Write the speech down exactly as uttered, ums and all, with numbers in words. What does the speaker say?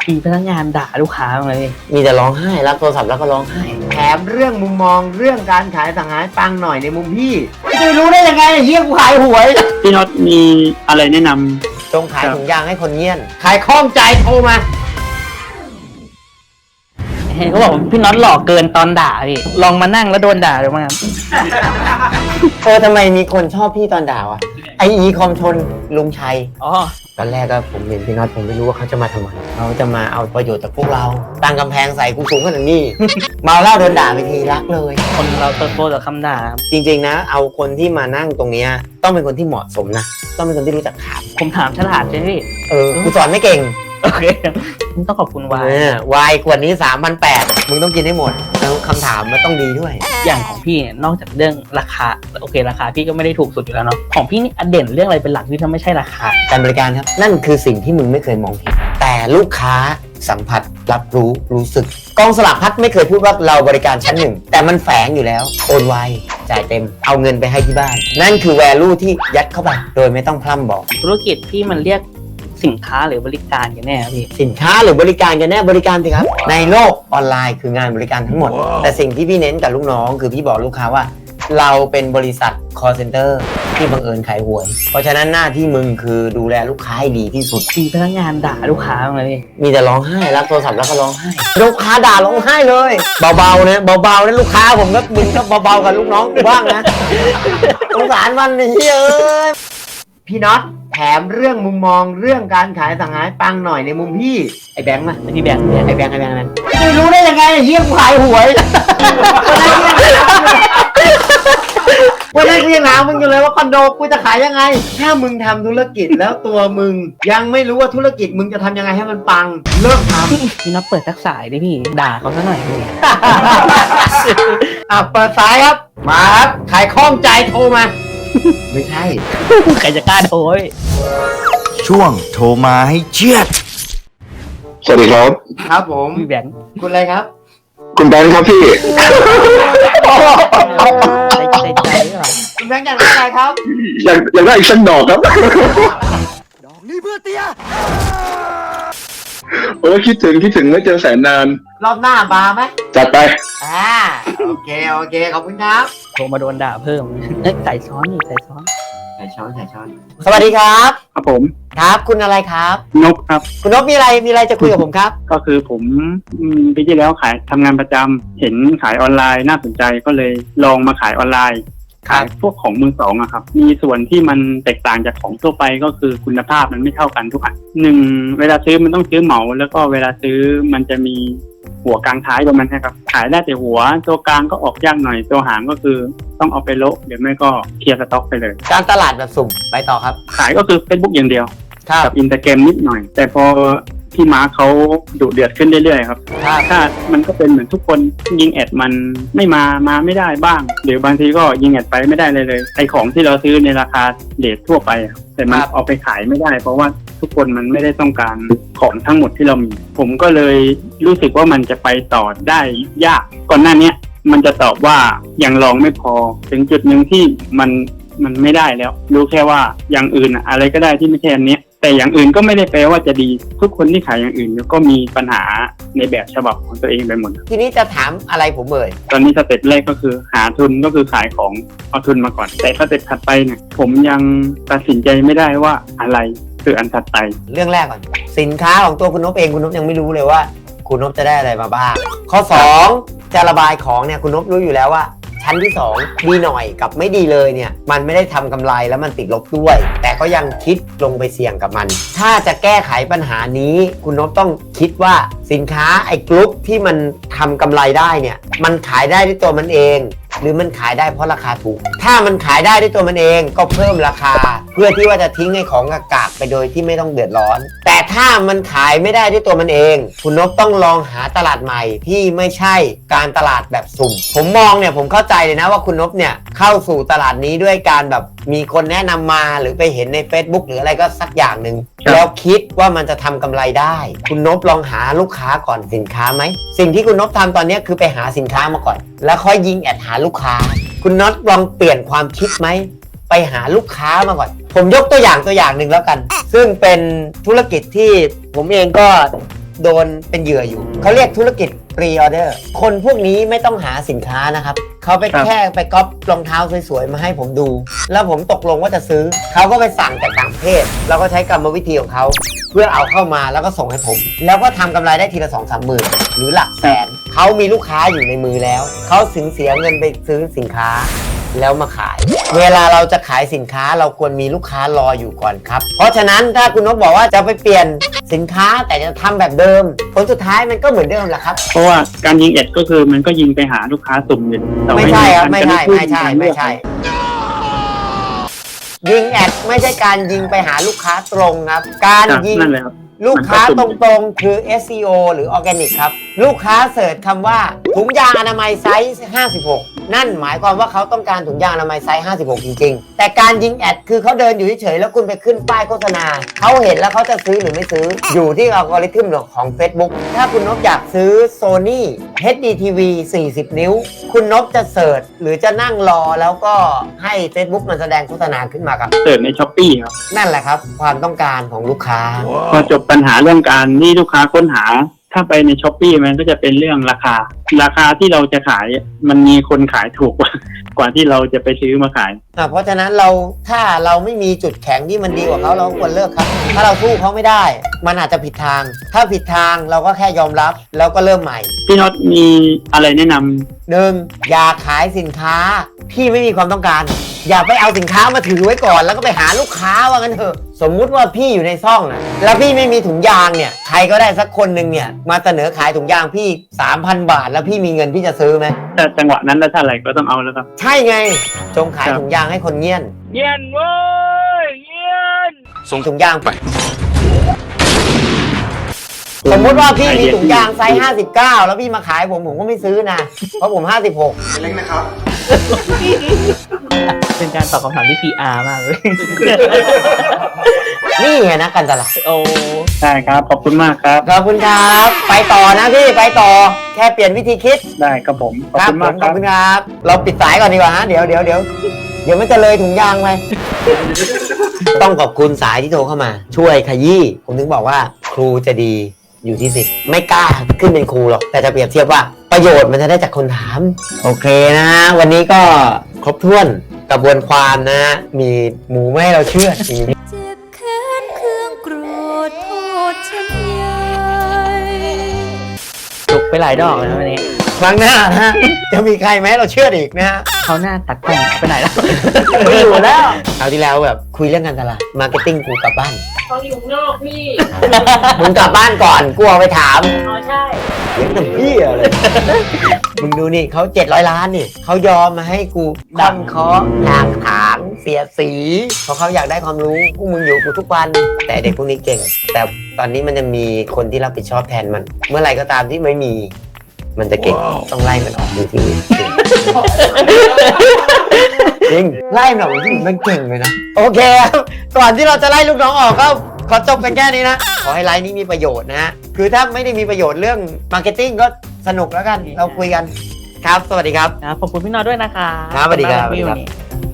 มีพนักงานด่าลูกค้าบ้างไหมพี่มีแต่ร้องไห้รับโทรศัพท์แล้วก็ร้องไห้แถมเรื่องมุมมองเรื่องการขายสั่งหายปังหน่อยในมุมพี่จะรู้ได้ยังไงเฮียกูขายหวยพี่น็อตมีอะไรแนะนำจงขายถุงยางให้คนเงียนขายคล่องใจโทรมาเห็นเขาบอกพี่น็อตหลอกเกินตอนด่าพี่ลองมานั่งแล้วโดนด่าดูมั้งครับเออทำไมมีคนชอบพี่ตอนด่าวะไออีคอมชนลุงชัยอ๋อตอนแรกก็ผมเห็นพี่น็อตผมไม่รู้ว่าเขาจะมาทำไมเขาจะมาเอาประโยชน์จากพวกเราตั้งกำแพงใส่กูสูงขนาดนี้ เมาเหล้าโดนด่าไปทีรักเลยคนเราเติบโตจากคำด่าจริงๆนะเอาคนที่มานั่งตรงนี้ต้องเป็นคนที่เหมาะสมนะต้องเป็นคนที่รู้จักถามผมถามฉลาดใช่ไหมพี่เออกูสอนไม่เก่งโอเคต้องขอบคุณวายวายขวดนี้ สามพันแปดร้อย มึงต้องกินให้หมดแล้วคำถามมันต้องดีด้วยอย่างของพี่นอกจากเรื่องราคาโอเคราคาพี่ก็ไม่ได้ถูกสุดอยู่แล้วเนาะของพี่นี่เด่นเรื่องอะไรเป็นหลักที่ถ้าไม่ใช่ราคาการบริการครับนั่นคือสิ่งที่มึงไม่เคยมองเห็นแต่ลูกค้าสัมผัสรับรู้รู้สึกกองสลากพัดไม่เคยพูดว่าเราบริการชั้นหนึ่งแต่มันแฝงอยู่แล้วโอนไวจ่ายเต็มเอาเงินไปให้ที่บ้านนั่นคือ value ที่ยัดเข้าไปโดยไม่ต้องพร่ำบอกธุรกิจพี่มันเรียกสินค้าหรือบริการกันแน่พี่สินค้าหรือบริการกันแน่บริการสิครับในโลกออนไลน์คืองานบริการทั้งหมด wow. แต่สิ่งที่พี่เน้นกับลูกน้องคือพี่บอกลูกค้าว่าเราเป็นบริษัท call center ที่บังเอิญขายหวยเพราะฉะนั้นหน้าที่มึงคือดูแลลูกค้าให้ดีที่สุดมีพนักงานด่าลูกค้าบ้างไหมพี่มีแต่ร้องไห้รับโทรศัพท์แล้วก็ร้องไห้ลูกค้าด่าร้องไห้เลยเบาๆนะเบาๆนะลูกค้าผมก็มึงก็เบาๆกับลูกน้องกูบ้างนะสงสารมันเฮ้ยพี่น็อตแถมเรื่องมุมมองเรื่องการขายสั่งหายปังหน่อยในมุมพี่ไอ้แบงค์มาพี่แบงค์ไอ้แบงค์ไอ้แบงค์นั้นไม่รู้ได้ยังไงเฮียกูขายหวยวันนั้นกูยังถามมึงอยู่เลยว่าคอนโดกูจะขายยังไงถ้ามึงทำธุรกิจแล้วตัวมึงยังไม่รู้ว่าธุรกิจมึงจะทำยังไงให้มันปังเริ่มทำพี่น็อตเปิดทักสายดิพี่ด่าเขาซะหน่อยพี่อ่ะเปิดสายครับมาครับขายคล่องใจโทรมาไม่ใช่ใครจะกล้าโทรช่วงโทรมาให้เชียดสวัสดีครับครับผมพี่แบงค์คุณอะไรครับคุณแบงค์ครับพี่ใจใจใจเหรอคุณแบงค์อยากได้อะไรครับอยากอยากได้อีกสักดอกครับดอกนี้เพื่อเตี้ยโอ้คิดถึงคิดถึงไม่เจอแสนนานรอบหน้ามาไหมจัดไปอ่าโอเคโอเคขอบคุณครับโทรมาโดนด่าเพิ่มเอ้ยใส่ซ้อนนี่ใส่ซ้อนใส่ช้อนใส่ช้อนสวัสดีครับครับผมครับคุณอะไรครับนกครับคุณนกมีอะไรมีอะไรจะคุยกับผมครับก็คือผมปีที่แล้วขายทำงานประจำเห็นขายออนไลน์น่าสนใจก็เลยลองมาขายออนไลน์ขายพวกของมือสองอะครับมีส่วนที่มันแตกต่างจากของทั่วไปก็คือคุณภาพมันไม่เท่ากันทุกอันหนึ่งเวลาซื้อมันต้องซื้อเหมาแล้วก็เวลาซื้อมันจะมีหัวกลางท้ายประมาณนี้ครับขายได้แต่หัวตัวกลางก็ออกยากหน่อยตัวหางก็คือต้องเอาไปโละเดี๋ยวไม่ก็เคลียร์สต็อกไปเลยการตลาดแบบสุ่มไปต่อครับขายก็คือ Facebook อย่างเดียวกับอินสตาแกรมนิดหน่อยแต่พอพี่มาร์คเขาดุเดือดขึ้นเรื่อยๆครับถ้ามันก็เป็นเหมือนทุกคนยิงแอดมันไม่มามาไม่ได้บ้างหรือบางทีก็ยิงแอดไปไม่ได้เลยเลยไอของที่เราซื้อในราคาเรททั่วไปแต่มันเอาไปขายไม่ได้เพราะว่าทุกคนมันไม่ได้ต้องการของทั้งหมดที่เรามีผมก็เลยรู้สึกว่ามันจะไปต่อได้ยากก่อนหน้านี้มันจะตอบว่ายังลองไม่พอถึงจุดหนึ่งที่มันมันไม่ได้แล้วรู้แค่ว่าอย่างอื่นอะไรก็ได้ที่ไม่ใช่อันนี้แต่อย่างอื่นก็ไม่ได้แปลว่าจะดีทุกคนที่ขายอย่างอื่นก็มีปัญหาในแบบฉบับของตัวเองไปหมดทีนี้จะถามอะไรผมเอ่ยตอนนี้สเต็ปแรกก็คือหาทุนก็คือขายของเอาทุนมาก่อนแต่สเต็ปถัดไปเนี่ยผมยังตัดสินใจไม่ได้ว่าอะไรคืออันถัดไปเรื่องแรกก่อนสินค้าของตัวคุณนพเองคุณนพยังไม่รู้เลยว่าคุณนพจะได้อะไรมาบ้างข้อสองจะระบายของเนี่ยคุณนพรู้อยู่แล้วว่าชั้นที่สองดีหน่อยกับไม่ดีเลยเนี่ยมันไม่ได้ทำกำไรแล้วมันติดลบด้วยแต่ก็ยังคิดลงไปเสี่ยงกับมันถ้าจะแก้ไขปัญหานี้คุณนพต้องคิดว่าสินค้าไอ้กรุ๊ปที่มันทำกำไรได้เนี่ยมันขายได้ด้วยตัวมันเองหรือมันขายได้เพราะราคาถูกถ้ามันขายได้ด้วยตัวมันเองก็เพิ่มราคาเพื่อที่ว่าจะทิ้งให้ของกากาไปโดยที่ไม่ต้องเดือดร้อนแต่ถ้ามันขายไม่ได้ด้วยตัวมันเองคุณนพต้องลองหาตลาดใหม่ที่ไม่ใช่การตลาดแบบสุ่มผมมองเนี่ยผมเข้าใจเลยนะว่าคุณนพเนี่ยเข้าสู่ตลาดนี้ด้วยการแบบมีคนแนะนำมาหรือไปเห็นใน Facebook หรืออะไรก็สักอย่างหนึ่งแล้วคิดว่ามันจะทำกำไรได้คุณนพลองหาลูกค้าก่อนสินค้าไหมสิ่งที่คุณนพทำตอนนี้คือไปหาสินค้ามาก่อนแล้วค่อยยิงแอดหาลูกค้าคุณน็อตลองเปลี่ยนความคิดไหมไปหาลูกค้ามาก่อนผมยกตัวอย่างตัวอย่างหนึ่งแล้วกันซึ่งเป็นธุรกิจที่ผมเองก็โดนเป็นเหยื่ออยู่ เขาเรียกธุรกิจพรีออเดอร์ คนพวกนี้ไม่ต้องหาสินค้านะครับ เขาไปครับแค่ไปก๊อปรองเท้าสวยๆ มาให้ผมดู แล้วผมตกลงว่าจะซื้อ เขาก็ไปสั่งจากต่างประเทศ แล้วก็ใช้กรรมวิธีของเขา เพื่อเอาเข้ามาแล้วก็ส่งให้ผม แล้วก็ทำกำไรได้ทีละสองสามหมื่นหรือหลักแสน เขามีลูกค้าอยู่ในมือแล้ว เขาถึงเสียเงินไปซื้อสินค้า แล้วมาขาย เวลาเราจะขายสินค้าเราควรมีลูกค้ารออยู่ก่อนครับ เพราะฉะนั้นถ้าคุณนพบอกว่าจะไปเปลี่ยนสินค้าแต่จะทำแบบเดิม ผลสุดท้ายมันก็เหมือนเดิมแหละครับเพราะว่าการยิงแอดก็คือมันก็ยิงไปหาลูกค้าสุ่มอยู่แต่ไม่ใช่ครับนไม่จะใช่พูดไม่ใช่กันไม่ใช่ ยิงแอดไม่ใช่การยิงไปหาลูกค้าตรงครับ การครับยิงนั่นเลยครับลูกค้ามันก็ตสุ่มรงๆ คือ เอส ซี โอ หรือ Organic ครับ ลูกค้าเสิร์ชคำว่าถุงยางอนามัยไซส์ ห้าสิบหก นั่นหมายความว่าเขาต้องการถุงยางอนามัยไซส์ ห้าสิบหก จริงๆ แต่การยิงแอดคือเขาเดินอยู่เฉยๆ แล้วคุณไปขึ้นป้ายโฆษณา เขาเห็นแล้วเขาจะซื้อหรือไม่ซื้อ อยู่ที่อัลกอริทึมของ Facebook ถ้าคุณนพอยากซื้อ Sony เอช ดี ที วี สี่สิบ นิ้ว คุณนพจะเสิร์ชหรือจะนั่งรอแล้วก็ให้ Facebook มันแสดงโฆษณาขึ้นมาครับเสิร์ชในช้อปปี้ครับนั่นแหละครับความต้องการของลูกค้าพอจบปัญหาเรื่องการที่ลูกค้าค้นหา ถ้าไปในช้อปปี้มันก็จะเป็นเรื่องราคา ราคาที่เราจะขายมันมีคนขายถูกกว่ากว่าที่เราจะไปซื้อมาขายอ่ะเพราะฉะนั้นเราถ้าเราไม่มีจุดแข็งที่มันดีกว่าเขาเราก็ควรเลิกครับ ถ้าเราสู้เขาไม่ได้ มันอาจจะผิดทาง ถ้าผิดทางเราก็แค่ยอมรับแล้วก็เริ่มใหม่พี่น็อตมีอะไรแนะนำหนึ่งอย่าขายสินค้าที่ไม่มีความต้องการ อย่าไปเอาสินค้ามาถือไว้ก่อน แล้วก็ไปหาลูกค้าว่างั้นเถอะสมมุติว่าพี่อยู่ในซ่องนะแล้วพี่ไม่มีถุงยางเนี่ยใครก็ได้สักคนหนึ่งเนี่ยมาเสนอขายถุงยางพี่ สามพัน บาท แล้วพี่มีเงินพี่จะซื้อไหมแต่จังหวะนั้นแล้วถ้าอะไรก็ต้องเอาแล้วครับใช่ไงจงขายครับถุงยางให้คนเงียนเงียนเว้ยเงียนส่งถุงยางไป สมมติว่าพี่มีถุงยางไซส์ห้าสิบเก้าแล้วพี่มาขายผมผมก็ไม่ซื้อนะ เพราะผมห้าสิบหกเป็นการตอบคำถามที่ พี อาร์ มากเลยนี่ไงนะกันตลาดโอ้ได้ครับขอบคุณมากครับขอบคุณครับ ไปต่อนะพี่ไปต่อ แค่เปลี่ยนวิธีคิดได้ครับผมขอบครับคุณผมมากขคอบรับคุณครับ เราปิดสายก่อนดีกว่าฮะเดี๋ยวเดี๋ยวเดี๋ยวเดี๋ยวมันจะเลยถุงยางไป ต้องขอบคุณสายที่โทรเข้ามา ช่วยขยี้ผมถึงบอกว่าครูจะดีอยู่ที่สิทธิ์ไม่กล้าขึ้นเป็นครูหรอกแต่จะเปรียบเทียบว่าประโยชน์มันจะได้จากคนถาม โอเคนะฮะวันนี้ก็ครบถ้วนกระบวนความนะฮะมีหมูไม่ให้เราเชื่อดมีเจ็บแค้นเครื่องโกรธโทษฉันใหญ่จุกไปหลายดอกเลยนะวันนี้ครั้งหน้านะฮะจะมีใครไหมเราเชื่อดอีกนะฮะเขาหน้าตัดกล้องไปไหนแล้วไม่อยู่แล้วคราวที่แล้วแบบคุยเรื่องการตลาดมาร์เก็ตติ้งกูกลับบ้านเขาอยู่ข้างนอกพี่มึงกลับบ้านก่อนกูเอาไปถามอ๋อใช่เลี้ยงแต่พี่อะไร มึงดูนี่เขาเจ็ดร้อยล้านนี่เขายอมมาให้กูดันเคาะถากถางเสียสีเพราะเขาอยากได้ความรู้พวกมึงอยู่กูทุกวัน แต่เด็กพวกนี้เก่ง แต่ตอนนี้มันจะมีคนที่รับผิดชอบแทนมัน เมื่อไหร่ก็ตามที่ไม่มี มันจะเก่งต้องไล่มันออกดูทีวีจริงไล่มันออกดูทีวีมันเก่งเลยนะโอเคครับก่อนที่เราจะไล่ลูกน้องออกก็ขอจบกันแค่นี้นะ ขอให้ไลฟ์นี้มีประโยชน์นะฮะ คือถ้าไม่ได้มีประโยชน์เรื่องมาร์เก็ตติ้งก็สนุกแล้วกัน เราคุยกัน ครับ สวัสดีครับครับขอบคุณพี่นอด้วยนะคะครับสวัสดีครับขอณมากนะพี่วันนี้